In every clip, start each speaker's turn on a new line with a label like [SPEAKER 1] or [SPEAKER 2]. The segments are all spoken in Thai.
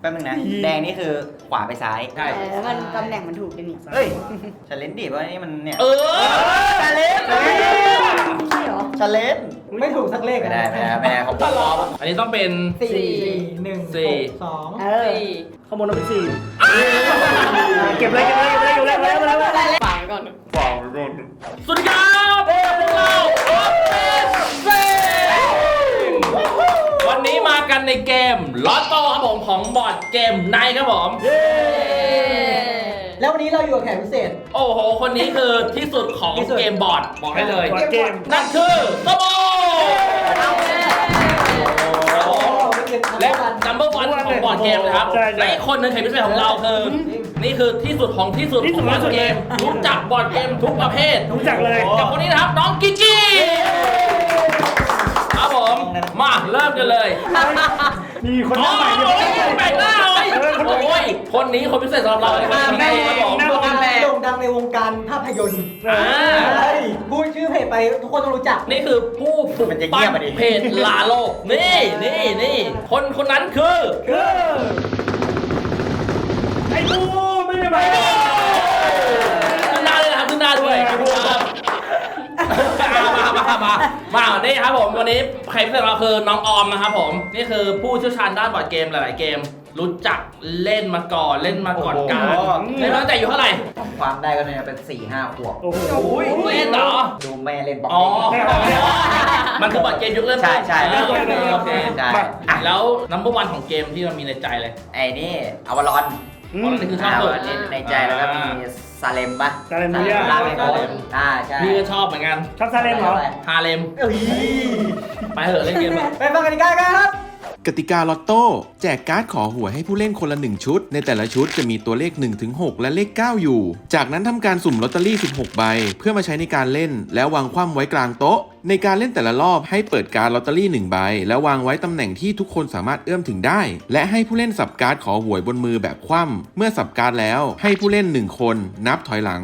[SPEAKER 1] แป๊บนึงนะแดงนี่คือขวาไปซ้าย
[SPEAKER 2] ใช่
[SPEAKER 3] แล้วมันตำแหน่งมันถูกกันนี่
[SPEAKER 1] เฮ้ยชาเลนจ์ดิเพราะนี่มันเนี่ย
[SPEAKER 3] ชาเลนจ์ใช่เหรอ
[SPEAKER 1] ชาเลนจ์
[SPEAKER 4] ไม่ถูกสักเลข
[SPEAKER 1] ไม่ได้ของผม
[SPEAKER 2] อันนี้ต้องเป็น
[SPEAKER 4] 4 1 6 2
[SPEAKER 3] เออ
[SPEAKER 4] ข้างบนต้องเป็น4เก็บเลยอยู่แล้ว
[SPEAKER 3] ฝากไว้ก่อน
[SPEAKER 2] สวัสดีครับพวกเราวันนี้มากันในเกมลอตโต้ครับผมของบอร์ดเกมไนท์ครับผม
[SPEAKER 4] แล้ววันนี้เราอยู่กับแขกพิเศษ
[SPEAKER 2] โอ้โห คนนี้คือที่สุดของเกมบอร์ดบอกให้เลย
[SPEAKER 4] เกม
[SPEAKER 2] นั่นคือโตโบและ number one ของบอร์ดเกมนะครับและอีกคนหนึงแขกพิเศษของเราคือนี่คือที่สุดของที่สุดของบอร์ดเกมรู้จักบอร์ดเกมทุกประเภท
[SPEAKER 4] รู้จักเลย
[SPEAKER 2] กับคนนี้นะครับน้องกิกกี้ครับผมมาเริ่มกันเลย
[SPEAKER 4] มีคนหน้าใหม่
[SPEAKER 2] โอ้ยแบ่งหน้าเลยโอ้ยคนนี้คนพิเศษสำหรับเราเลยครับครับผม
[SPEAKER 4] โด่งดังในวงการภาพยนตร์พูดชื่อเพจไปทุกคนต้องรู้จัก
[SPEAKER 2] นี่คือผู้ปลุกปั้นเพจลาโลกนี่คนนั้นคือ
[SPEAKER 4] ไอ้บูไม่ได้ไป
[SPEAKER 2] ขึ้นหน้าเลยนะครับขึ้นหน้าด้วยมานี่ครับผมวันนี้ใครพิเศษเราคือน้องออมนะครับผมนี่คือผู้เชี่ยวชาญด้านบอร์ดเกมหลายๆเกมรู้จักเล่นมาก่อนการเล่นมาตั้งแต่อยู่เท่าไหร่
[SPEAKER 1] ความได้ก็เนี่ยเป็น 4-5 ขวบ
[SPEAKER 4] โอ้โห
[SPEAKER 2] เล่นเหรอ
[SPEAKER 1] ดูแม่เล่นบอล
[SPEAKER 2] อ๋อมันคือบอร์ดเกมยุคเริ่มต้น
[SPEAKER 1] ใช่
[SPEAKER 2] โอเค
[SPEAKER 1] ใช่
[SPEAKER 2] แล้วนัมเบอร์วันของเกมที่มันมีในใจเลย
[SPEAKER 1] ไอ้นี่อวารอน
[SPEAKER 2] นี่คือชอบสุด
[SPEAKER 1] ในใจแล้วก็มีซาเลมปะ
[SPEAKER 4] ซาเลมเนีย
[SPEAKER 1] ลาเมโกใช่
[SPEAKER 2] พี่ก็ชอบเหมือนกัน
[SPEAKER 4] ชอบซาเลมเหรอ
[SPEAKER 2] ฮาเลมไปเหอะเล่นเกม
[SPEAKER 4] ไปฟังกติกากันครับ
[SPEAKER 5] กติกาลอตโต้แจกการ์ดขอหวยให้ผู้เล่นคนละ1ชุดในแต่ละชุดจะมีตัวเลข 1-6 และเลข 9 อยู่ จากนั้นทำการสุ่มลอตเตอรี่16 ใบเพื่อมาใช้ในการเล่นแล้ววางคว่ำไว้กลางโต๊ะในการเล่นแต่ละรอบให้เปิดการ์ดลอตเตอรี่1ใบแล้ววางไว้ตำแหน่งที่ทุกคนสามารถเอื้อมถึงได้และให้ผู้เล่นสับการ์ดขอหวยบนมือแบบคว่ำเมื่อสับการ์ดแล้วให้ผู้เล่น1คนนับถอยหลัง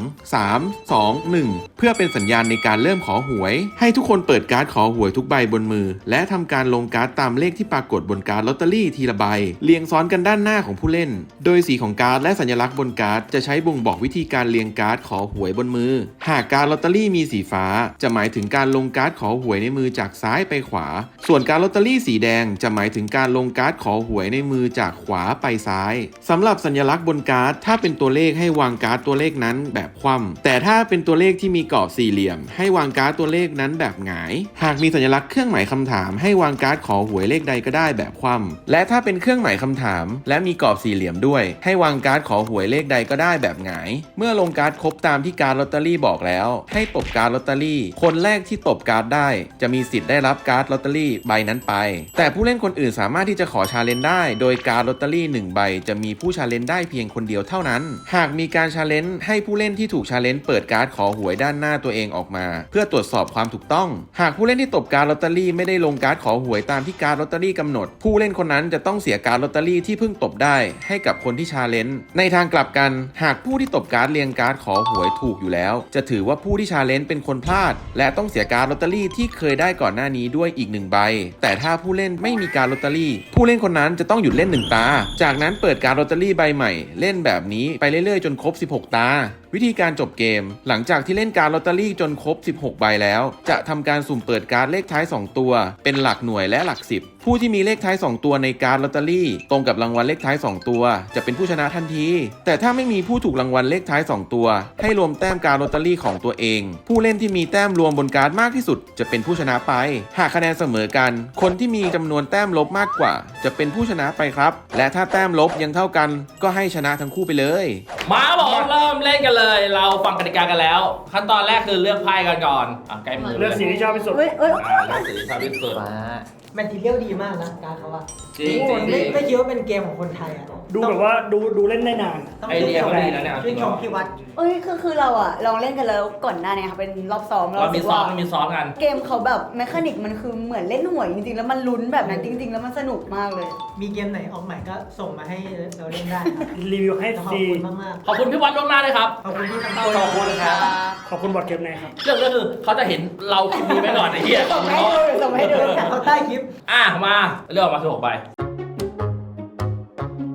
[SPEAKER 5] 3 2 1เพื่อเป็นสัญญาณในการเริ่มขอหวยให้ทุกคนเปิดการ์ดขอหวยทุกใบบนมือและทำการลงการ์ดตามเลขที่ปรากฏบนการ์ดลอตเตอรี่ทีละใบเรียงซ้อนกันด้านหน้าของผู้เล่นโดยสีของการ์ดและสัญลักษณ์บนการ์ดจะใช้บ่งบอกวิธีการเรียงการ์ดขอหวยบนมือหากการ์ดลอตเตอรี่มีสีฟ้าจะหมายถึงการลงการ์ดขอหวยในมือจากซ้ายไปขวาส่วนการ์ดลอตเตอรี่สีแดงจะหมายถึงการลงการ์ดขอหวยในมือจากขวาไปซ้ายสำหรับสัญลักษณ์บนการ์ดถ้าเป็นตัวเลขให้วางการ์ดตัวเลขนั้นแบบคว่ำแต่ถ้าเป็นตัวเลขที่มีกรอบสี่เหลี่ยมให้วางการ์ดตัวเลขนั้นแบบหงายหากมีสัญลักษณ์เครื่องหมายคำถามให้วางการ์ดขอหวยเลขใดก็ได้แบบคว่ำและถ้าเป็นเครื่องหมายคำถามและมีกรอบสี่เหลี่ยมด้วยให้วางการ์ดขอหวยเลขใดก็ได้แบบหงายเมื่อลงการ์ดครบตามที่การ์ดลอตเตอรี่บอกแล้วให้ตบการ์ดลอตเตอรี่คนแรกที่ตบการ์ดได้จะมีสิทธิ์ได้รับการ์ดลอตเตอรี่ใบนั้นไปแต่ผู้เล่นคนอื่นสามารถที่จะขอชาเลนจ์ได้โดยการ์ดลอตเตอรี่1ใบจะมีผู้ชาเลนจ์ได้เพียงคนเดียวเท่านั้นหากมีการชาเลนจ์ให้ผู้เล่นที่ถูกชาเลนจ์เปิดการ์ดขอหวยด้านหน้าตัวเองออกมาเพื่อตรวจสอบความถูกต้องหากผู้เล่นที่ตบการ์ดลอตเตอรี่ไม่ได้ลงการ์ดขอหวยตามที่การ์ดลอตเตอรี่กำหนดผู้เล่นคนนั้นจะต้องเสียการ์ดลอตเตอรี่ที่เพิ่งตบได้ให้กับคนที่ชาเลนจ์ในทางกลับกันหากผู้ที่ตบการ์ดเรียงการ์ดขอหวยถูกอยู่แล้วจะถือว่าผู้ที่ชาเลนจ์เป็นคนพลาดและต้องเสียการ์ดลอตเตอรี่ที่เคยได้ก่อนหน้านี้ด้วยอีก1ใบแต่ถ้าผู้เล่นไม่มีการ์ดลอตเตอรี่ผู้เล่นคนนั้นจะต้องหยุดเล่น1ตาจากนั้นเปิดการ์ดลอตเตอรี่ใบใหม่เล่นแบบนี้ไปเรื่อยๆจนครบ16ตาวิธีการจบเกมหลังจากที่เล่นการ์ดลอตเตอรี่จนครบ16ใบแล้วจะทำการสุ่มเปิดการ์ดเลขท้าย2ตัวเป็นหลักหน่วยและหลัก10ผู้ที่มีเลขท้าย2ตัวในการ์ดลอตเตอรี่ตรงกับรางวัลเลขท้าย2ตัวจะเป็นผู้ชนะทันทีแต่ถ้าไม่มีผู้ถูกรางวัลเลขท้าย2ตัวให้รวมแต้มการ์ดลอตเตอรี่ของตัวเองผู้เล่นที่มีแต้มรวมบนการ์ดมากที่สุดจะเป็นผู้ชนะไปหากคะแนนเสมอกันคนที่มีจำนวนแต้มลบมากกว่าจะเป็นผู้ชนะไปครับและถ้าแต้มลบยังเท่ากันก็ให้ชนะทั้งคู่ไปเลย
[SPEAKER 2] มาบอกเริ่มเล่นกันเลยเราฟังกติกากันแล้วขั้นตอนแรกคือเลือกไพ่กันก่อนใกล้มือ
[SPEAKER 4] เลือกสีที่ชอบที่สุด
[SPEAKER 2] เลือกสีที่ชอบที่สุด
[SPEAKER 4] แมททีเรียลดีมากนะการเขาอะ
[SPEAKER 2] จริง
[SPEAKER 4] ไม่คิดว่าเป็นเกมของคนไทยอะ
[SPEAKER 6] ดูแบบว่าดูเล่นได้นาน
[SPEAKER 2] ไอเดียเขาดีนะเนี่ย
[SPEAKER 4] ชื่นชมพี่วัด
[SPEAKER 3] คือเราอะลองเล่นกันแล้วก่อนหน้านี้ค่ะเป็นรอบซ้อม
[SPEAKER 2] เรามีซ้อมกัน
[SPEAKER 3] เกมเขาแบบแมคานิกมันคือเหมือนเล่นหวยจริงๆแล้วมันลุ้นแบบนั้นจริงๆแล้วมันสนุกมากเลย
[SPEAKER 4] มีเกมไหนออกใหม่ก็ส่งมาให้เราเล่นได้ครับ
[SPEAKER 6] รีวิวให้
[SPEAKER 4] ขอบ
[SPEAKER 6] ดี
[SPEAKER 4] คุณมาก
[SPEAKER 2] ขอบคุณพี่วัดล่วงหน้าเลยครับ
[SPEAKER 4] ๆขอบคุณที่ทำ
[SPEAKER 2] ขอบคุณครับ
[SPEAKER 6] ขอบคุณบอร์ดเกมไหนครับ
[SPEAKER 2] เรื่องก็คือเขาจะเห็นเราคลิปนี้ไว้ก่อนไอ้เหี้ย
[SPEAKER 3] ส่งให้ดูส่งให้ดู
[SPEAKER 4] เขาใต้คลิป
[SPEAKER 2] มาเลือกออกมาถูกไป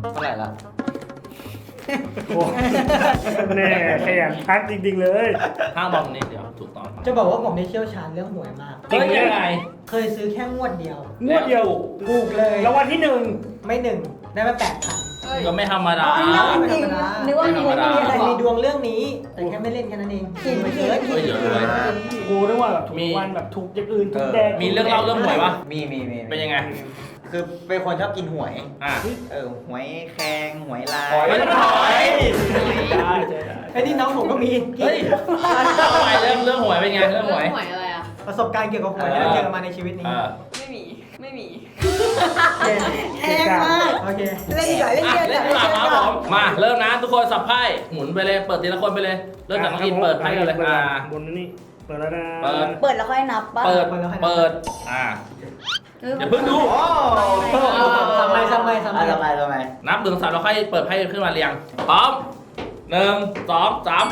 [SPEAKER 1] เท่าไหร่ละ
[SPEAKER 6] โอ้แน่ขยันทักจริงๆเลย
[SPEAKER 2] ห้างบอลนี่เดี๋ยวถูกต้อง
[SPEAKER 4] จะบอกว่าผมได้เชี่ยวชาญเรื่องหวยมาก
[SPEAKER 2] จริงไหมยังไง
[SPEAKER 4] เคยซื้อแค่งวดเดียว
[SPEAKER 6] งวดเดียว
[SPEAKER 4] ถูกเลย
[SPEAKER 6] รางวัลที่หนึ่ง
[SPEAKER 4] ไม่หนึ่งได้มา8,000
[SPEAKER 2] ก็ไม่ธรรมดา
[SPEAKER 3] อ๋อนี่จริงนึกว่ามี
[SPEAKER 2] ไม่ธรรมดา
[SPEAKER 3] อะไร
[SPEAKER 4] แต่มีดวงเรื่องนี้ แต่แค่ไม่เล่นแค่นั้นเอง
[SPEAKER 3] ผิด
[SPEAKER 4] ไม่
[SPEAKER 3] ผิ
[SPEAKER 4] เย
[SPEAKER 3] ด
[SPEAKER 4] อะ
[SPEAKER 3] ผิด
[SPEAKER 2] เดี๋ยวรวย
[SPEAKER 6] กูนึกว่าแบบถูก
[SPEAKER 2] มี
[SPEAKER 6] วันแบบถูกอย่างอื่นถูกแดง
[SPEAKER 2] มีเรื่องเล่าเรื่องหวยปะ
[SPEAKER 1] มี
[SPEAKER 2] เป็นยังไง
[SPEAKER 1] คือเป็นคนชอบกินหวย
[SPEAKER 2] อ่ะ
[SPEAKER 1] หวยแครงหวยลาย
[SPEAKER 2] ไม่ต้องถอย
[SPEAKER 6] ได้เจอได้
[SPEAKER 4] ไอ้นี่น้องผมก็มี
[SPEAKER 2] เฮ้ยทำไมเรื่องหวยเป็นไงเรื่องหวย
[SPEAKER 7] หวยอะไรอ่ะ
[SPEAKER 4] ประสบการณ์เกี่ยวกับหวยที่เราเจอมาในชีวิตนี้
[SPEAKER 7] ไม่มี ไม่มี
[SPEAKER 3] แพงมาก
[SPEAKER 4] โอเค
[SPEAKER 3] เล่นดีกว่าเล่น
[SPEAKER 2] อ่ะ
[SPEAKER 3] เกม
[SPEAKER 2] เล่นดีกว่าครับผมมาเริ่มนะทุกคนสับไพ่หมุนไปเลยเปิดทีละคนไปเลยเริ่มจากน้องอินเปิดไพ่กันเลยอ่า
[SPEAKER 6] บนนี่เปิดแล้วนะ
[SPEAKER 2] เปิด
[SPEAKER 3] เปิดแล้วค่อยนับป่ะ
[SPEAKER 2] เปิดอ่าอย่าเพิ่งดู
[SPEAKER 4] ทำไม
[SPEAKER 1] ทำไม
[SPEAKER 2] นับ1 2 3แล้วค่อยเปิดไพ่ขึ้นมาเรียงพร้อม1 2 3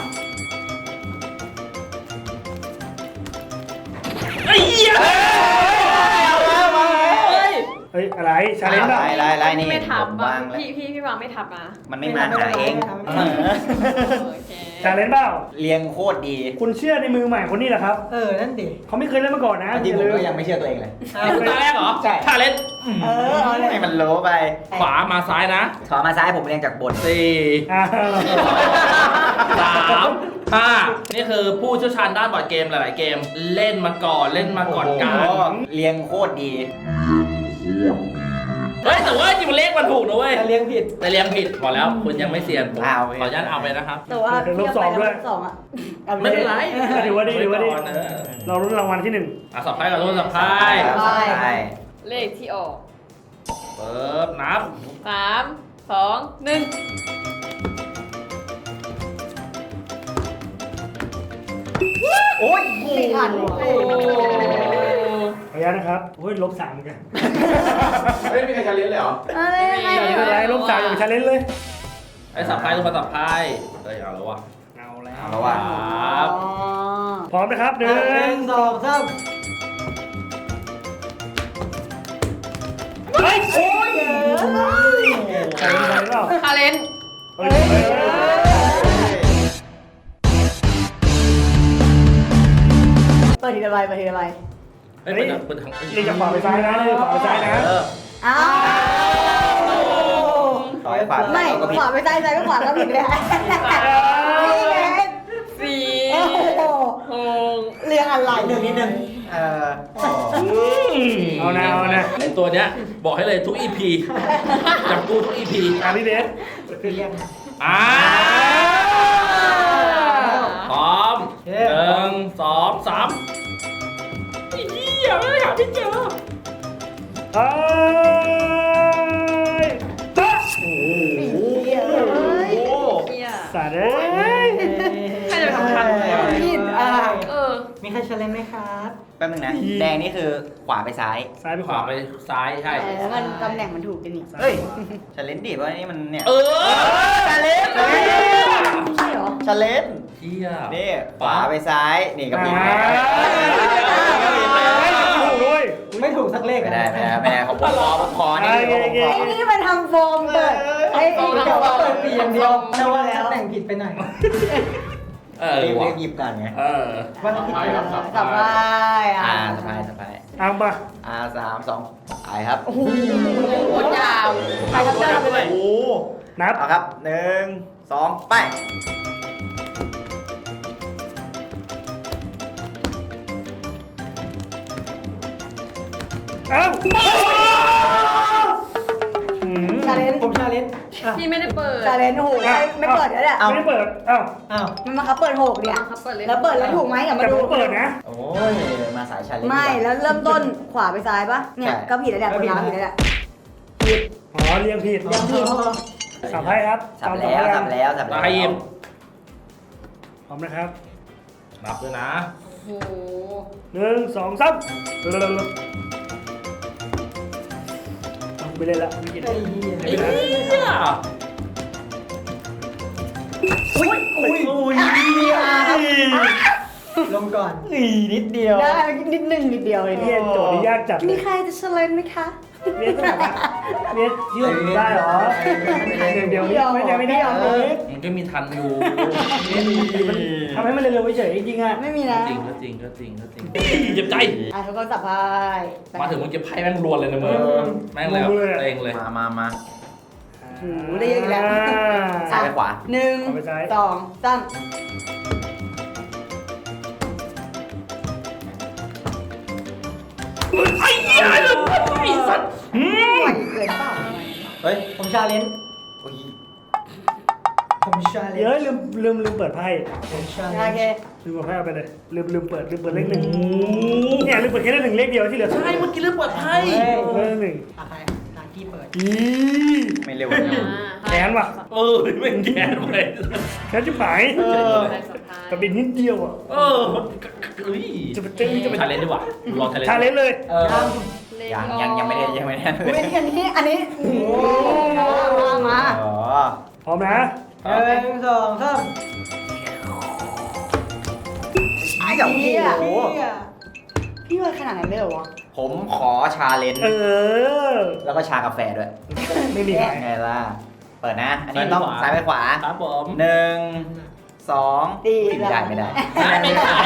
[SPEAKER 2] ไอ้เหี้ย
[SPEAKER 6] เฮ้ยอะไรชาเลนจ์ป่ะ
[SPEAKER 1] ลายนี่
[SPEAKER 7] ไม่ทับ
[SPEAKER 1] วา
[SPEAKER 7] อ่ะ
[SPEAKER 1] งแล้ว
[SPEAKER 7] พี่วางไม่ทับอ่ะ
[SPEAKER 1] มันไม่มาหาเอง
[SPEAKER 7] โอเค
[SPEAKER 6] ชาเลนจ์เปล่า
[SPEAKER 1] เรียงโคตรดี
[SPEAKER 6] คุณเชื่อในมือใหม่คนนี้เหรอครับ
[SPEAKER 4] นั่นดิ
[SPEAKER 6] เขาไม่เคยเล่นมาก่อนนะ
[SPEAKER 1] จริงผมก็ยังไม่เชื่อตัวเองเลย
[SPEAKER 2] ตาแรกเหรอ
[SPEAKER 1] ใช่
[SPEAKER 2] ชาเลนจ์
[SPEAKER 3] เอาเลย
[SPEAKER 1] ให้มันโลไป
[SPEAKER 2] ขวามาซ้ายนะ
[SPEAKER 1] ขอมาซ้ายผมเรียงจากบน
[SPEAKER 2] 4
[SPEAKER 6] อ่า
[SPEAKER 2] 3 5นี่คือผู้เชี่ยวชาญด้านบอร์ดเกมหลายๆเกมเล่นมาก่อนการ
[SPEAKER 1] เรียงโคตรดี
[SPEAKER 2] เฮ้ยแต่ว่าจริงมันเลขมันถูกนะเว้ย
[SPEAKER 4] แต่เลี้ยงผิด
[SPEAKER 2] แต่เรียงผิดบอกแล้วคุณยังไม่เซียนผม
[SPEAKER 1] เอา
[SPEAKER 2] ขออนุญาตเอาไปนะครับ
[SPEAKER 3] แต่ว่าเที่ยวไปแล้ว2อ่ะ
[SPEAKER 2] ไม่เป็นไร
[SPEAKER 6] ถือว่าดีถือว่าดี
[SPEAKER 2] ไก่อนเออ
[SPEAKER 6] เราลุ้นรางวัลที่หนึ่ง
[SPEAKER 2] สับไพ่กับรุ่นสับไพ่
[SPEAKER 1] ใช่
[SPEAKER 7] เลขที่ออก
[SPEAKER 2] เปิดนับ
[SPEAKER 7] 3 2 1
[SPEAKER 1] โอ้ย
[SPEAKER 3] ไม่ทัน
[SPEAKER 6] ขออนุญาตนะครับโอ้ยลบ3เหมือนกัน
[SPEAKER 1] ไม่มีใครจะเรียนเลยเหรอ
[SPEAKER 3] อะไรยังไง
[SPEAKER 6] ไม่เป็นไรลบ3อย่างชาเลนจ์เลย
[SPEAKER 2] ไอ้สับไพ่ทุกคนสับไพ่เฮ้ยเอาแล้ววะ
[SPEAKER 6] เอาแล้ว
[SPEAKER 1] เอาแล้วว่ะ
[SPEAKER 2] ครับ
[SPEAKER 6] พร้อมนะครับหนึ่ง
[SPEAKER 4] 1 2 3
[SPEAKER 6] เฮ้ยโอ้ยใครเป็นใครเปล่า
[SPEAKER 7] คาเลน
[SPEAKER 6] เฮ้ย
[SPEAKER 3] เปิดทีละใบเปิดทีละใบ
[SPEAKER 2] เฮ้ยเปิดทาง
[SPEAKER 6] เรียกจากขวาไปซ้ายนะเรียกจากขวาไปซ้ายนะ
[SPEAKER 3] อ้าว
[SPEAKER 1] ต่อยปาก
[SPEAKER 3] ไม่ขวาไปซ้ายซ้ายก็ขวาก็ผิดเลยนี่ไง
[SPEAKER 7] สี่
[SPEAKER 3] โอ้โห
[SPEAKER 7] หก
[SPEAKER 3] เรียงอะไร
[SPEAKER 1] นิดนึง
[SPEAKER 6] เอานะเอานะ
[SPEAKER 2] ไอ้ตัวเนี้ยบอกให้เลยทุก EP จับกูทุก EP
[SPEAKER 6] พี่เบส
[SPEAKER 4] เลี้ยง
[SPEAKER 2] อ่าพร้อม1 2 3ไอ้เหี้ยไม่หาไม่เจอ
[SPEAKER 6] เฮ้ยต๊ะ
[SPEAKER 2] โอ้โห
[SPEAKER 7] เฮีย
[SPEAKER 6] สัตว์เอ้ย
[SPEAKER 7] ใครจะทำทันเลยอ่ะ
[SPEAKER 3] ผิดอ่ะ
[SPEAKER 4] มีใครเชลเลนไหมครับ
[SPEAKER 1] แป๊บนึงนะ แดงนี่คือขวาไปซ้าย
[SPEAKER 6] ซ้ายไป
[SPEAKER 2] ข
[SPEAKER 6] ขวาว
[SPEAKER 2] าไปซ้ายใช่
[SPEAKER 3] แล้วมันตำแหน่งมันถูกกันนี่
[SPEAKER 1] เฮ้ยชาเลนจ์ดิเพราะนี่มันเนี่ย
[SPEAKER 2] เออ
[SPEAKER 1] ชาเลนจ์
[SPEAKER 3] ใช่เหรอ
[SPEAKER 1] ชาเลนจ์
[SPEAKER 2] เที่ย
[SPEAKER 1] นี่ขวาไปซ้ายนี่ก็ผิด
[SPEAKER 6] ถูกด้วย
[SPEAKER 4] ไม่ถูกสักเลข
[SPEAKER 1] ไม่ได้ของผมขอนี่ของผมขอ
[SPEAKER 3] ไอ้นี่มันทำโฟมเปิดไอ้เดี๋ยวเปิดปีอย่างเดียว
[SPEAKER 4] แต่ว่าแต่งผิดไปหน่อย
[SPEAKER 1] รีบ
[SPEAKER 2] ว่ะ
[SPEAKER 1] หยิบก่อนไง
[SPEAKER 4] วันผิดไปแล้ว
[SPEAKER 3] กลับบ้าน
[SPEAKER 1] สบาย
[SPEAKER 6] เอาปะ
[SPEAKER 1] 3 2ไปครับ
[SPEAKER 3] โอ้โห
[SPEAKER 7] โคตรยาว
[SPEAKER 3] ใครครับเจ้าไปเลย
[SPEAKER 1] โอ้
[SPEAKER 6] นับ
[SPEAKER 1] เอาครับ1 2ไป
[SPEAKER 6] เอ้า
[SPEAKER 3] ชาเลนจ์
[SPEAKER 4] ผมชาเลนจ์
[SPEAKER 7] พี่ไม่ได้เปิด
[SPEAKER 3] ชาเลนจ์โอ้โหไม่เปิดแล้วเนี่ย
[SPEAKER 6] ไม่ได้เปิดเอ้า
[SPEAKER 4] อ้าว
[SPEAKER 3] มันมาครับเปิดหกเนี่ย
[SPEAKER 7] ครับเปิดเลย
[SPEAKER 3] แล้วเปิดแล้วถูกไหมอย่ามา
[SPEAKER 6] แต่
[SPEAKER 3] ดู
[SPEAKER 6] ผมเปิดนะ
[SPEAKER 1] โอ้ยมาสายชาเลนจ์
[SPEAKER 3] ไม่แล้วเริ่มต้นขวาไปซ้ายปะเนี่ยก็ผิดแล้วแหละคนน้ำผิดแล้วแหละผิด
[SPEAKER 6] อ๋อเรียงผิด
[SPEAKER 3] ยังผิด
[SPEAKER 6] สับให้ครับ
[SPEAKER 1] สับแล้ว
[SPEAKER 2] ตาให้ยิม
[SPEAKER 6] พร้อมนะครับ
[SPEAKER 2] นับด้วยนะ
[SPEAKER 7] โอ้โห
[SPEAKER 6] 1 2 3ไปเล่นละไม่กิน
[SPEAKER 4] ไอ้เหี้ย
[SPEAKER 2] ไอ้เหี้ย
[SPEAKER 4] ลงก่อน
[SPEAKER 1] นิดเดียว
[SPEAKER 3] ได้นิดนึงนิดเดียวเลย
[SPEAKER 6] เรียนโจทย์นี่ยากจัดเล
[SPEAKER 3] มี
[SPEAKER 6] ย
[SPEAKER 3] ใครจะเฉลยไหมคะ
[SPEAKER 6] เบียดต้องแบบเบียดเชื่อผมได้เหรอเดี๋ยวนี้ไม่ได้เอาเลย
[SPEAKER 2] มันก็มีทันอยู่
[SPEAKER 6] ทำให้มันเร็วๆเฉยๆจริงๆอ่ะ
[SPEAKER 3] ไม่มีนะ
[SPEAKER 2] จริงเจ็บใจ
[SPEAKER 3] ทุกคนสับไพ่
[SPEAKER 2] มาถึงมึงเก็บไพ่แม่งรวนเลยนะมึงแม่งเลยแบบเต็งเลย
[SPEAKER 1] มา
[SPEAKER 3] โอ้โหได้เยอะอีกแล้ว
[SPEAKER 1] ซ้ายไปขวา
[SPEAKER 3] 1 2 3
[SPEAKER 2] ไอ้เหี้ยไอ้สัตว์
[SPEAKER 3] ไหวเกินเปล่า
[SPEAKER 1] เฮ้ย
[SPEAKER 4] ผมชาเลนจ์
[SPEAKER 1] โอ้ย
[SPEAKER 4] ผมชาเล
[SPEAKER 6] เดี๋ยวน
[SPEAKER 4] จ์
[SPEAKER 6] ลืมเปิดไพ่
[SPEAKER 4] ผมชาเล
[SPEAKER 3] โอน เค
[SPEAKER 4] จ์
[SPEAKER 6] ลืมเปิดไพ่เอาไปเลยลืมเปิดเลขหนึ่งเนี่ยลืมเปิดแค่เลขหนึ่งเลขเดียวที่เหลือ
[SPEAKER 2] ใช่เมื่อกี้เรื่องเปิดไพ่
[SPEAKER 6] เลขหนึ่ง
[SPEAKER 4] ใครตากี้เปิด
[SPEAKER 6] อี
[SPEAKER 1] ไม่เร็ว
[SPEAKER 6] แขนว่ะ
[SPEAKER 2] ไม่แก่ไป
[SPEAKER 6] แขนจะหายกับบินนิดเดียวอ่ะ จะไปเจอจะไป
[SPEAKER 2] ชาเลนจ์ดีกว่าลองชาเลนจ์
[SPEAKER 6] ชาเลนจ์เลย
[SPEAKER 1] ยังไม่ได้
[SPEAKER 3] อุ้ยอันนี้โอ้โหมา
[SPEAKER 1] อ๋อ
[SPEAKER 6] พร้อมนะ
[SPEAKER 4] 1 2 3
[SPEAKER 1] ไอ้เจ้าโอ้โห
[SPEAKER 3] พี่ว่าขนาดนั้นเลยเหรอวะ
[SPEAKER 1] ผมขอชาเลนจ์ แล้วก็ชากาแฟด้วย
[SPEAKER 6] ไม่มีใคร
[SPEAKER 1] ไงล่ะ เปิดนะ อันนี้ต้องซ้ายไปขวา
[SPEAKER 2] ครับผม
[SPEAKER 1] 1 2ไม่ได้
[SPEAKER 2] ไม่ขาย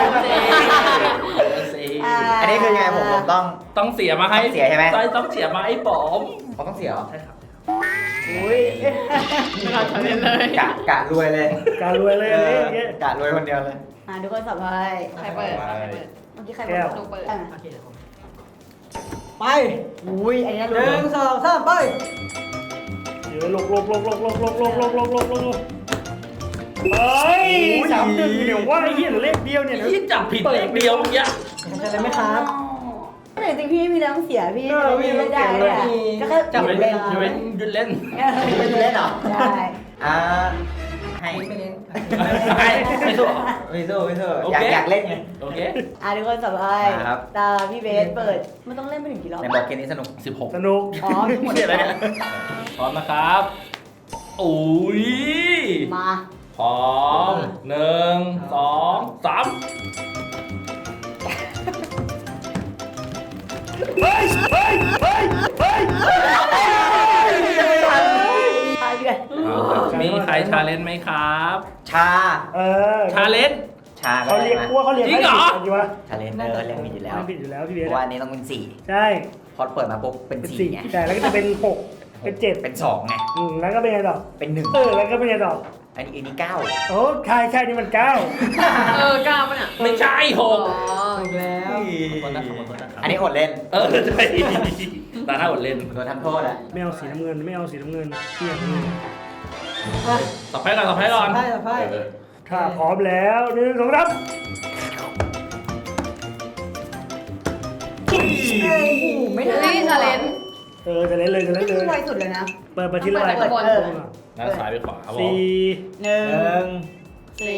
[SPEAKER 1] อันนี้คือยังไงผมต้อง
[SPEAKER 2] เสียมาให้
[SPEAKER 1] ต้องเสียใช่ไหม
[SPEAKER 2] ต้องเสียมาให้ผม
[SPEAKER 1] ผมต้องเสียเหรอ
[SPEAKER 2] ใช่ครับ
[SPEAKER 3] อุ้ย
[SPEAKER 7] ไม่รอชาเลนจ์เลย
[SPEAKER 1] กะรวยเลย
[SPEAKER 6] การรวยเลยอันนี้อย่างเงี้ย
[SPEAKER 1] กะรวยคนเดียวเลย
[SPEAKER 3] ทุกคนสับไพ่
[SPEAKER 7] ใครเปิด
[SPEAKER 3] เมื่อกี้ใคร
[SPEAKER 6] แก้ว
[SPEAKER 7] หนูเปิด
[SPEAKER 4] โอเคเดี๋ยวผมไป
[SPEAKER 3] อุ้ยอันนี้รู้
[SPEAKER 4] 1 2 3 ไป
[SPEAKER 6] เดี๋ยวลกเฮ้ย3-1เดี๋ยวว่าไอ้เหี้ยเหลือเลขเดียวเนี่ย
[SPEAKER 2] ที่จับผิดเลขเดียวเมื่อกี้
[SPEAKER 4] ผมชาเลนจ์ไหมครับ
[SPEAKER 3] แต่จริงพี่ไม่มีแรงเสียพี่
[SPEAKER 4] พี่ไม่
[SPEAKER 3] ได้
[SPEAKER 4] เสียเลย
[SPEAKER 3] ก็แค่
[SPEAKER 2] จับ
[SPEAKER 3] เป
[SPEAKER 2] ไป
[SPEAKER 3] ลี่ยน
[SPEAKER 2] เล่
[SPEAKER 3] เล่
[SPEAKER 2] น
[SPEAKER 3] น
[SPEAKER 2] หยุดเล่น
[SPEAKER 1] เป็นเล่นเหรอ
[SPEAKER 3] ได้
[SPEAKER 1] ให้
[SPEAKER 4] ไม่เล่น
[SPEAKER 2] ไม่สู้
[SPEAKER 1] ไม่สู้
[SPEAKER 2] โอ
[SPEAKER 1] อยา
[SPEAKER 2] เค
[SPEAKER 1] กเล่นไง
[SPEAKER 2] โอเค
[SPEAKER 3] ทุกคนสับไพ่
[SPEAKER 1] ครับ
[SPEAKER 3] ตาพี่เบสเปิดมันต้องเล่นไปถึงกี่รอบ
[SPEAKER 1] ในบอกเกมนี้สนุก
[SPEAKER 2] 16
[SPEAKER 6] สนุก
[SPEAKER 3] อ๋อหมด
[SPEAKER 2] เสียอะไรเนี่ยพร้อมนะครับอุ้ย
[SPEAKER 3] มา
[SPEAKER 2] พร้อม1 2 3
[SPEAKER 3] ตายเดือน
[SPEAKER 2] มีใครชาเลนจ์ไหมครับ
[SPEAKER 1] ชา
[SPEAKER 2] ชาเลนจ์
[SPEAKER 1] ชา
[SPEAKER 6] เขาเรียกว่าเขาเรียก
[SPEAKER 2] จริงเหรอ
[SPEAKER 6] จริงวะ
[SPEAKER 1] ชาเลนเรียกผิดอยู่แล้ว
[SPEAKER 6] ไม่ผิดอยู่แล้วพี่
[SPEAKER 1] เพ
[SPEAKER 6] เบส
[SPEAKER 1] ราะว่าอันนี้ต้องเป็น
[SPEAKER 6] ใช่
[SPEAKER 1] 4พอเปิดมาปุ๊บเป็น
[SPEAKER 6] เป็น
[SPEAKER 1] 4
[SPEAKER 6] 4
[SPEAKER 1] ไง
[SPEAKER 6] ใช่แล้วก็จะเป็น6เป็น7
[SPEAKER 1] เป็น2ไง
[SPEAKER 6] แล้วก็เป็นไงต่อ
[SPEAKER 1] เป็น
[SPEAKER 6] แล้วก็เป็นไงต่อ
[SPEAKER 1] 1อันนี้9
[SPEAKER 6] โอ้ใช่นี่มัน9
[SPEAKER 7] กล้าปะเนี่ย
[SPEAKER 2] ไม่ใช่ห
[SPEAKER 7] อ๋อก
[SPEAKER 4] ถูกแล้ว
[SPEAKER 1] อันนี้อดเล่น
[SPEAKER 2] ใช่ตาหน้าอดเล่น
[SPEAKER 1] โดนทำโทษอะ
[SPEAKER 6] ไม่เอาสีน้ำเงินไม่เอาสีน้ำเงินเที่ยง
[SPEAKER 2] ต่อไปก่อนต่อไปก่อน
[SPEAKER 4] ไปไป
[SPEAKER 6] ถ้าพร้อมแล้ว1 2 3
[SPEAKER 3] โอ้โหไม่ได้
[SPEAKER 7] เฮ้ยชาเลนจ์
[SPEAKER 6] จะเล่นเลย
[SPEAKER 3] พี่ไวสุดเลยนะ
[SPEAKER 6] เปิดที่ระบาย
[SPEAKER 7] เปิดบน
[SPEAKER 2] แล้วซ้ายไปขวาครับผม
[SPEAKER 6] 4
[SPEAKER 3] 1
[SPEAKER 7] สี่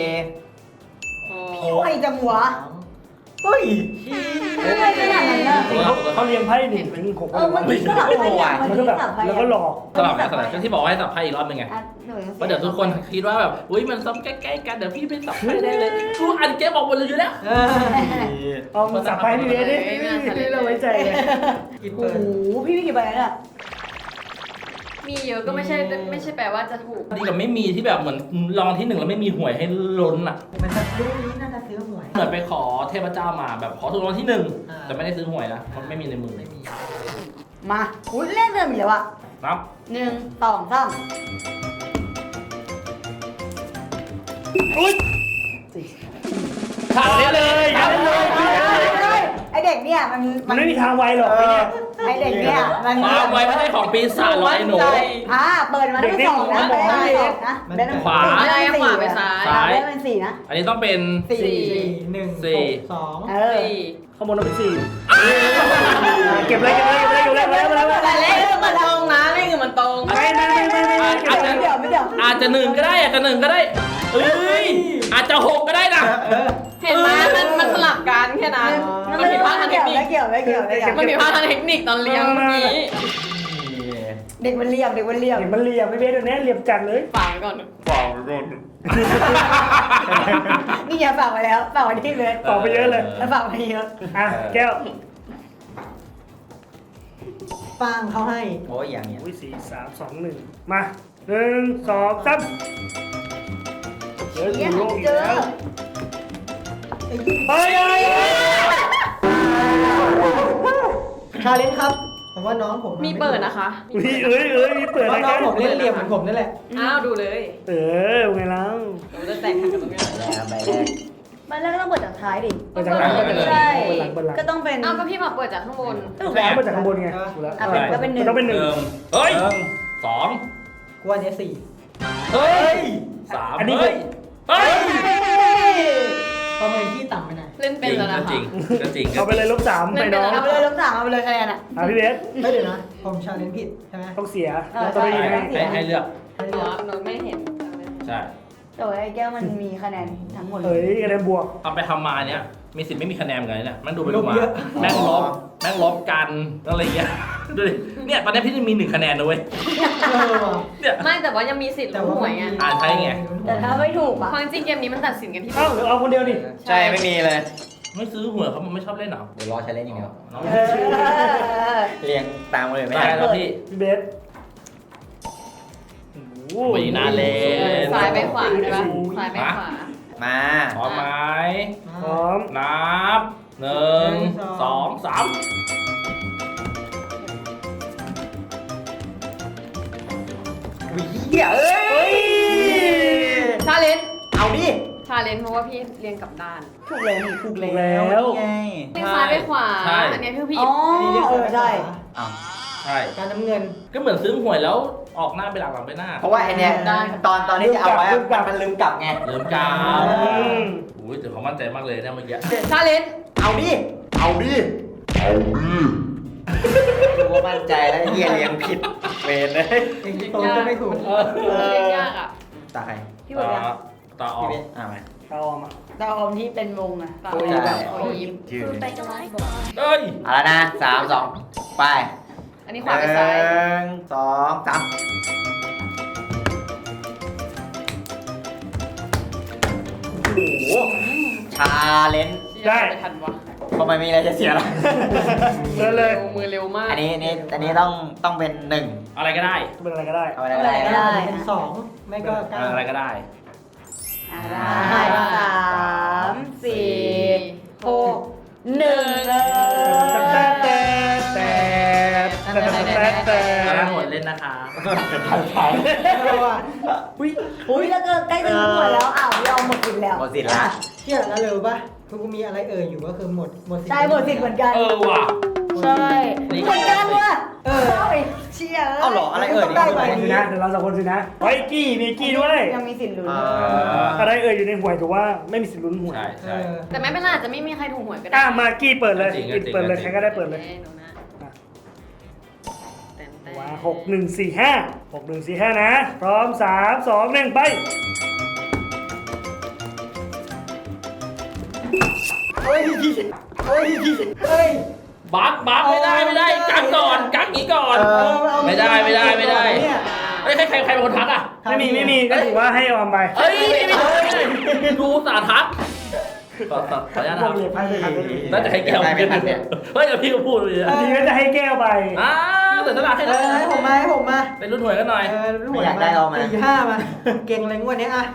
[SPEAKER 3] พี่ไวจังวะ
[SPEAKER 1] เฮ้ย
[SPEAKER 3] ไม่ไวขนาดนั้นนะ
[SPEAKER 6] เขาเรียงไพ่1 ถึง 6
[SPEAKER 3] มันมีสลับไปอย่างมัน
[SPEAKER 6] มัน
[SPEAKER 3] มี
[SPEAKER 6] ก็แบบ
[SPEAKER 3] สลับไป
[SPEAKER 6] แล้วก็หลอก
[SPEAKER 2] สลับนะสลับก็ที่บอกว่าให้สับไพ่อีกรอบหนึงไง
[SPEAKER 3] หนูยัง
[SPEAKER 2] เพราะเดี๋ยวทุกคนคิดว่าแบบอุ้ยมันซ้ำใกล้ๆกันเดี๋ยวพี่ไปสับไพ่ได้เลยทุกอันเกมบอกหมดเลยอยู่แล้ว
[SPEAKER 6] เอาสับไพ่พี่เบสดิเราไว้ใจเลย
[SPEAKER 3] โอ้โหพี่มีกี่ใบแล้วเนี่ย
[SPEAKER 7] มีเยอะก็ไม่ใช่แปลว่าจะถูก
[SPEAKER 2] ดีกับไม่มีที่แบบเหมือนรองที่ 1แล้วไม่มีหวยให้ล้นอ่ะ
[SPEAKER 4] มันจะรู้นี้น่าจะซื้อหวย
[SPEAKER 2] เหมือนไปขอเทพเจ้ามาแบบขอถูกรางวัลที่
[SPEAKER 4] อ่า
[SPEAKER 2] 1แต่ไม่ได้ซื้อหวยนะเพราะไม่มีในมือ
[SPEAKER 4] ไม่มี
[SPEAKER 3] มาอุ้ยเล่นเริ่มอีกแล้วอะ
[SPEAKER 2] นับ
[SPEAKER 3] 1 2 3
[SPEAKER 2] ขาดได้เลย
[SPEAKER 3] ไอเด็กเนี่ย
[SPEAKER 6] มันไม่มีทางไวหรอกไอ้เนี่ย
[SPEAKER 3] ไอเด็กเนี่ยมัน
[SPEAKER 2] ความไวไม่ใช่ของปีศาจหรอกไอ้หนู
[SPEAKER 3] เปิดมาได้เป็น2นะได้เป็น2นะได้เป็น
[SPEAKER 2] ขวา
[SPEAKER 7] ไม่ได้ขวาไปซ้าย
[SPEAKER 2] ซ้าย
[SPEAKER 3] ได้เป็น4นะ
[SPEAKER 2] อันนี้ต้องเป็น
[SPEAKER 4] 1 6 2
[SPEAKER 7] สี่
[SPEAKER 6] ข้างบนเราเป็น4เก็บเลยแล้ว
[SPEAKER 7] แต่เลขมันตรงนะเลขมันตรง
[SPEAKER 6] ไม่
[SPEAKER 3] เดี๋ยวไม่เดี๋ยว
[SPEAKER 2] อาจจะ1ก็ได้อาจจะ1ก็ได้เอ้ยอาจจะ6ก็ได้นะ
[SPEAKER 7] เห็นไหมมันสลับกันแค่นั้นมันผิดพลาดทางเทคนิค
[SPEAKER 3] ไม่เกี่ยว
[SPEAKER 7] มันผิดพลาดทางเทคนิคตอนเลี้ยงเมื่อกี้
[SPEAKER 3] เด็กมันเรียบ
[SPEAKER 6] เห็นมันเหลี่ยมไม่เบสตัวนี้เหลี่ยมจัดเลย
[SPEAKER 7] ฝากไว้ก่อน
[SPEAKER 3] นี่อย่าฝากไว้แล้วฝากไว้ที่เลย
[SPEAKER 6] ต่อไปเยอะเลย
[SPEAKER 3] แล้วฝากไว้เยอะ
[SPEAKER 6] แก้ว
[SPEAKER 4] ปังเขาให้
[SPEAKER 1] โอ้ยอย่างเงี้ย
[SPEAKER 6] อุ้ย4 3 2 1มา1 2 3เจอถูโลกอีกแล้วเฮ้ย
[SPEAKER 4] ชาเลนจ์ครับผมว่าน้องผม
[SPEAKER 7] มีเปิดนะคะ
[SPEAKER 6] มีมีเปิด
[SPEAKER 4] เพ
[SPEAKER 6] อะไร
[SPEAKER 4] ราะน้
[SPEAKER 6] กั
[SPEAKER 4] อง
[SPEAKER 6] น
[SPEAKER 4] ผมเล่นเหลี่ยมเหมือนผมนั่นแหละ
[SPEAKER 7] อ้าวดูเลย
[SPEAKER 6] ไงแล้ว
[SPEAKER 7] เราจะแต่งกันตรงนี้
[SPEAKER 1] แล้วใบแรก
[SPEAKER 3] มันแรกก็ต้องเปิดจากท้ายดิ
[SPEAKER 6] เปิดจากหลัง
[SPEAKER 3] ใช่
[SPEAKER 6] เปิดหลังเปิดหลัง
[SPEAKER 3] ก็ต้องเป็น
[SPEAKER 7] อ้าวก็พี่มาเปิดจากข้างบน
[SPEAKER 3] ถูก
[SPEAKER 6] แล้
[SPEAKER 3] แล้ว ว
[SPEAKER 6] เปิดจากข้างบนไงถูกแล้ว
[SPEAKER 3] อ่ะเป็นก็เป็นหนึ่ง
[SPEAKER 6] ต้องเป็นหนึ่ง
[SPEAKER 2] เฮ้ยสอง
[SPEAKER 4] กว่านี้สี่
[SPEAKER 2] เฮ้ยสาม
[SPEAKER 6] อันนี้
[SPEAKER 2] เฮ้ยเฮ้ย
[SPEAKER 4] ประเมินที่ต่ำไปหน่อย
[SPEAKER 7] เล่นเป็นแล้วนะคะ
[SPEAKER 2] จริงก็จริง
[SPEAKER 6] เอาไปเลยลบ3ไปน้อง
[SPEAKER 3] เอาไปเลยลบ3เอาไปเลยคะแนนอ่ะ
[SPEAKER 6] พี่เบส
[SPEAKER 4] เฮ้ยเดี๋ยวนะผมชาเลนจ์ผิดใช่ไหม
[SPEAKER 6] ต้องเสีย
[SPEAKER 3] เออ
[SPEAKER 6] ต้อง
[SPEAKER 3] ใช่
[SPEAKER 6] ไม่ให้
[SPEAKER 2] ให้เลือก
[SPEAKER 4] ให้
[SPEAKER 7] อ๋
[SPEAKER 4] เลื
[SPEAKER 7] อ
[SPEAKER 4] อก
[SPEAKER 7] หนูไม่เห็น
[SPEAKER 2] ใช่
[SPEAKER 3] แต่ว่าไอ้แก้วมันมีคะแนนทั้งหมดเล
[SPEAKER 6] เฮ้
[SPEAKER 3] ย
[SPEAKER 6] ยคะแนนบวก
[SPEAKER 2] ทำไปทำมาเนี่ยมีสิทธิ์ไม่มีคะแนนเหมือนกันเนี่ยแม่งดูไปดูมาแม่งลบกันอะไรเงี้ยดูดิเนี่ยตอนนี้พี่จะมี1คะแนนนะเว้ย
[SPEAKER 4] ว่ะ
[SPEAKER 2] เนี่ย
[SPEAKER 7] ไม่แต่ว่ายังมีสิทธิ์รู้หวยไง
[SPEAKER 2] อ่านใช่ไง
[SPEAKER 3] แต่ถ้าไม่ถูกอ่ะ
[SPEAKER 7] ความจริงเกมนี้มันตัดสินกันที่
[SPEAKER 6] เอ้าเดี๋ยวเอาคนเดียวดิ
[SPEAKER 1] ใช่ไม่มีเลย
[SPEAKER 2] ไม่ซื้อหวยเขามันไม่ชอบเล่นหรอ
[SPEAKER 1] เดี๋ยวรอใช้เล่นอย่างเดียว
[SPEAKER 2] น้อง
[SPEAKER 3] เออ
[SPEAKER 1] เรียงตามเลยไม่
[SPEAKER 2] ได้
[SPEAKER 1] ได้
[SPEAKER 2] แล้วพี่
[SPEAKER 6] พี่เบส
[SPEAKER 2] ไม่น่าเล่น
[SPEAKER 7] ซ้ายไปขวาใช่ปะซ้ายไปขวา
[SPEAKER 1] มา
[SPEAKER 2] พร้อมไหม
[SPEAKER 6] พร้อม
[SPEAKER 2] นับ1 2 3
[SPEAKER 1] วิ่งเหี้ยเอ้ย
[SPEAKER 7] ชาเลนจ์
[SPEAKER 1] เอาดิ
[SPEAKER 7] ชาเลนจ์เพราะว่าพี่เรียงกลับด้าน
[SPEAKER 3] ถูกเลยนี่ถูกเลย
[SPEAKER 6] แล้ว
[SPEAKER 1] ไง
[SPEAKER 7] เรียงซ้ายไปขวา อันนี้คือพี่
[SPEAKER 3] อ๋อใช่
[SPEAKER 1] อ้าว
[SPEAKER 2] ใช่
[SPEAKER 4] การน้ำเงิน
[SPEAKER 2] ก็เหมือนซื้อหวยแล้วออกหน้าไปหลังไปหน้า
[SPEAKER 1] เพราะว่าไอเนี้ยตอนที่จะเอาไว้มันลืมกลับไง
[SPEAKER 2] เริ่มกาว
[SPEAKER 6] อืม
[SPEAKER 2] อุ้ยแต่เขามั่นใจมากเลยเนี่ยเมื่อกี้
[SPEAKER 7] ชาเลนจ์
[SPEAKER 1] เอาดิ เอาดิรู้ว่ามั่นใจแล้วเฮียเรียงผิดเวรเลย
[SPEAKER 4] เองโตก็ไม่ถูก
[SPEAKER 7] เรียงยากอ่ะ
[SPEAKER 1] ตาใคร
[SPEAKER 3] พี่บอกยัง
[SPEAKER 2] ตาออ
[SPEAKER 1] พี่
[SPEAKER 2] ก
[SPEAKER 1] เบสอ่ะมา
[SPEAKER 6] เอาออกมา
[SPEAKER 3] ดาวอมที่เป็นวงอ่ะ
[SPEAKER 7] ตา
[SPEAKER 1] โอ้
[SPEAKER 7] อ
[SPEAKER 1] ย
[SPEAKER 7] อก
[SPEAKER 1] ได้
[SPEAKER 7] โอ้ย
[SPEAKER 1] ยืน
[SPEAKER 3] ไปกันไลฟ์บอก
[SPEAKER 2] เอ้ย
[SPEAKER 1] เอาละนะ3 2ไป
[SPEAKER 7] อันนี้ขวาไปซ้าย
[SPEAKER 1] 1 2 3โอ้โหชาเลนจ์
[SPEAKER 6] ได้
[SPEAKER 7] ไม่ทันวะ
[SPEAKER 1] ทำไมมีอะไรจะเสียล่ะ
[SPEAKER 6] เดินเลย
[SPEAKER 7] มือเร็วมาก
[SPEAKER 1] อันนี้ต้องเป็น1
[SPEAKER 2] อะไรก็ได้
[SPEAKER 6] เป็นอะไรก็ได้
[SPEAKER 1] เอาอะไรก็ได้
[SPEAKER 4] เป็นสองไม่ก็เก้า
[SPEAKER 2] อะไรก็ได้
[SPEAKER 3] อ่ะได้3 4 6 1เลย
[SPEAKER 6] แต่แต่
[SPEAKER 2] แล้วหมดเล่นนะคะ
[SPEAKER 6] อุ้ย
[SPEAKER 3] อุ้ยแล้วก็ใกล้จะหมดแล้วอ้าวยอมหมดสิทธิ์แล้ว
[SPEAKER 1] หมดสิทธิ์ละ
[SPEAKER 4] เชื่อแล้วเร็วป่ะทุกมีอะไรอยู่ก็คือหมดสิทธิ์
[SPEAKER 3] ใช่หมดสิทธิ์เหมือนกัน
[SPEAKER 2] เออว่ะ
[SPEAKER 3] ใช่เหมือนกันว่ะเชี่ย
[SPEAKER 1] เอาเหรออะไรนี่
[SPEAKER 4] ได้ไป
[SPEAKER 6] สินะเดี๋ยวเรา2 คนสินะไว้กี้มีกี้ด้วย
[SPEAKER 3] ยังมีสิทธิ์ลุ้น
[SPEAKER 6] อะไรอยู่ในหวยถือว่าไม่มีสิทธิ์ลุ้นหวย
[SPEAKER 2] ใช่
[SPEAKER 4] เอ
[SPEAKER 2] ใช่
[SPEAKER 4] อ
[SPEAKER 7] แต่ไม่เป็นไรอาจจะไม่มีใครถูกหวยก็ได้
[SPEAKER 6] มากี้เปิดเลย
[SPEAKER 2] จริง
[SPEAKER 6] เปิดเลยใครก็ได้เปิดเลย
[SPEAKER 7] หนูนะแต่
[SPEAKER 6] ว่า6 1 4 5 6 1 4 5นะพร้อม3 2 1ไป
[SPEAKER 4] เฮ้ย
[SPEAKER 2] บักไม่ได้กักก่อนกักอีกก่อน ไม่ได้
[SPEAKER 4] เนี่ย
[SPEAKER 2] เฮ้ยใครเป็นคนทักอ่ะ
[SPEAKER 6] ไม่มีก็ถือว่าให้ออมไป
[SPEAKER 2] เฮ้ยไม่ดูสาทักขออนุญาตนะครับ น่าจะให้แก้ว
[SPEAKER 1] ได้ไม่ทันเนี่ย
[SPEAKER 2] เฮ้ยเดี๋ยวพี่ก็พูดเลย
[SPEAKER 6] ทีก็จะให้แก้วไป
[SPEAKER 2] เดี๋ยวตลาดให้เลย
[SPEAKER 4] ให้ผมมา
[SPEAKER 2] เป็นรุ่นหวยกันหน่อย
[SPEAKER 4] รุ่นหัว4 5มาเก่งเลยงวดนี้อ่ะ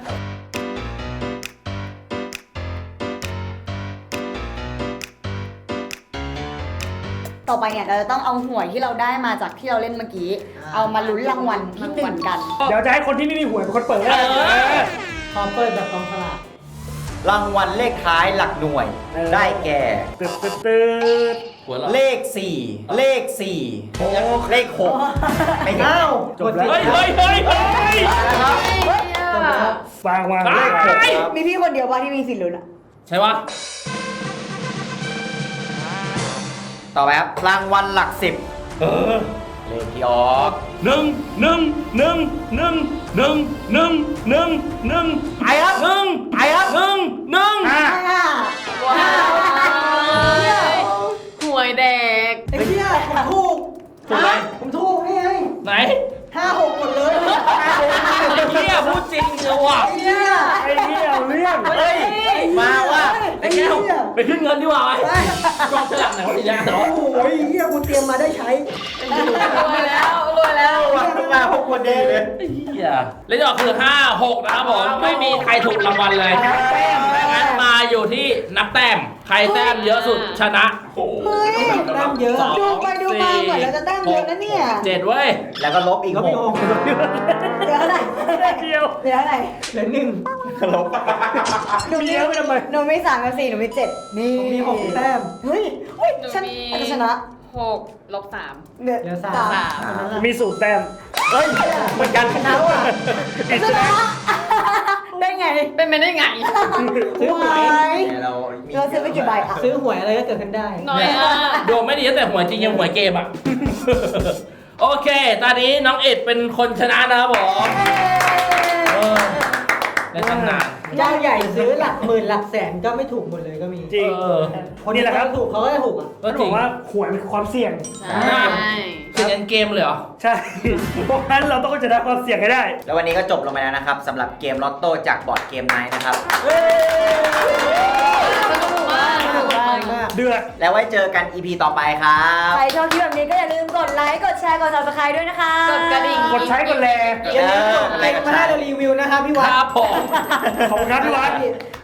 [SPEAKER 3] ต่อไปเนี่ยเราจะต้องเอาหวยที่เราได้มาจากที่เราเล่นเมื่อกี้ เอามาลุ้นรางวัลที่หนึ่งกัน
[SPEAKER 6] เดี๋ยวจะให้คนที่ไม่มีหวยเป็นคนเปิด
[SPEAKER 4] ขอเปิดแบบกองสลาก
[SPEAKER 1] รางวัลเลขท้ายหลักหน่วย ได้แก่
[SPEAKER 6] ตืด
[SPEAKER 2] หัวเราะ
[SPEAKER 1] เลข 4 เลข 4 เลข 6 ไม่เห็น
[SPEAKER 4] อ้าว
[SPEAKER 6] จบแล้ว
[SPEAKER 2] เฮ้ย
[SPEAKER 1] นะครับ
[SPEAKER 6] วาง
[SPEAKER 2] เลขหก
[SPEAKER 3] มีพี่คนเดียวป่ะที่มีสิทธิ์ลุ้นอ่ะ
[SPEAKER 2] ใช่ปะ
[SPEAKER 1] ต่อไปครับรางวัลหลัก 10เลขที่ออก
[SPEAKER 2] 1
[SPEAKER 1] ไปครับ ไปครับ
[SPEAKER 7] ว้าวหวยแดก
[SPEAKER 4] ไอ้เชี่ยผมถูก
[SPEAKER 2] ถูกไหม
[SPEAKER 4] ผมถูกนี่ไง
[SPEAKER 2] ไหน
[SPEAKER 4] 5-6หมดเลย
[SPEAKER 2] ไอ้เหี้ยพูดจริงเลยว่ะ
[SPEAKER 4] ไอ้เชี่ย
[SPEAKER 6] ไอ้เหี้ยเอาเรื่อง
[SPEAKER 2] เฮ้ย
[SPEAKER 1] มาว่า
[SPEAKER 2] ไอ้แก้วไปขึ้นเงินดีกว่าไหมกองฉลากไหนวะทีนี้เนาะ
[SPEAKER 4] โอ้ยเฮียกูเตรียมมาได้ใช้
[SPEAKER 7] รวยแล้วรวยแล้ว
[SPEAKER 1] มาพวกคนดีเลย
[SPEAKER 2] เหี้ยเลขที่ออกคือ 5 6 นะครับผม ไม่มีใครถูกรางวัลเลยดังนั้นมาอยู่ที่นับแต้ม ใครแต้มเยอะสุดชนะ
[SPEAKER 3] เฮ้ย
[SPEAKER 4] แต้มเยอะ
[SPEAKER 3] ดูไปดูมาเหมือนเราจะแต้มเยอะนะเนี่ย
[SPEAKER 2] 7 เว้ย
[SPEAKER 1] แล้วก็ลบอีก
[SPEAKER 4] ก็
[SPEAKER 1] ห
[SPEAKER 4] มี
[SPEAKER 1] ก
[SPEAKER 4] หก
[SPEAKER 3] เหลือเท่าไหร่
[SPEAKER 6] เดียว
[SPEAKER 3] เหลือเท่าไหร่
[SPEAKER 4] เหลือหนึ่ง
[SPEAKER 1] ลบ
[SPEAKER 3] หนูมีหนูมี3กับ4หนูมี7นี่
[SPEAKER 4] ผมมีหกแต้ม
[SPEAKER 3] เฮ้ยเฮ้ย
[SPEAKER 7] หนู
[SPEAKER 3] ฉัน
[SPEAKER 7] มี
[SPEAKER 3] อาจจะชนะ
[SPEAKER 7] 6 ลบ 3
[SPEAKER 3] เหลือ
[SPEAKER 4] เหลือ
[SPEAKER 3] สา
[SPEAKER 4] สาม
[SPEAKER 3] ม
[SPEAKER 6] มีสูตรแต้ม
[SPEAKER 1] เฮ้ยเหมือนกัน
[SPEAKER 4] ชนะว่ะ
[SPEAKER 3] ชนะได้ไง
[SPEAKER 7] เป็นไปได้ไง
[SPEAKER 4] ซื้อหวย
[SPEAKER 1] เรา
[SPEAKER 3] เราซื้อไปกี่ใบอ่ะ
[SPEAKER 4] ซื้อหวยอะไรก็เกิดขึ้นได้
[SPEAKER 7] น้อยอ่ะ
[SPEAKER 2] ดวงไม่ดีตั้งแต่หวยจริงยังหวยเกมอ่ะ โอเค ตอนนี้น้องเอ็ดเป็นคนชนะนะครับผมเออในตำนาน
[SPEAKER 4] เจ้าใหญ่ซื้อหลักหมื่นหลักแสนก็ไม่ถูกหมดเลยก็มี
[SPEAKER 6] จริง
[SPEAKER 2] เออ
[SPEAKER 4] คน
[SPEAKER 6] นี่
[SPEAKER 4] ที่
[SPEAKER 6] แหละครับ
[SPEAKER 4] เขาถูกเขาก็จะถูกอ่ะ
[SPEAKER 2] ก็
[SPEAKER 6] เขา
[SPEAKER 2] จ
[SPEAKER 6] บ
[SPEAKER 2] ริ
[SPEAKER 6] อง กว่าหวยมันคือความเสี่ยง
[SPEAKER 7] ใช่
[SPEAKER 2] เสียงเกมเลยเหรอ
[SPEAKER 6] ใช่ เพราะฉะนั้นเราต้องชนะความเสี่ยงให้ได้
[SPEAKER 1] แล้ววันนี้ก็จบลงไปแล้วนะครับสำหรับเกมลอตโต้จากบอร์ดเกมไนท์นะครับ
[SPEAKER 7] สนุกมากสนุกมาก
[SPEAKER 6] เดือด
[SPEAKER 1] แล้วไว้เจอกัน EP ต่อไปครับ
[SPEAKER 3] ใครชอบคลิปแบบนี้ก็อย่าลืมกดไลค์ กดแชร์ กด subscribe ด้วยนะคะ
[SPEAKER 7] กดกระดิ่ง
[SPEAKER 6] กดใช้กดแล
[SPEAKER 4] อย่าลืมกดไลค์มาให้เรารีวิวนะครับพี่วัด
[SPEAKER 2] ครับผม
[SPEAKER 6] ขอบคุณครับพี่วัด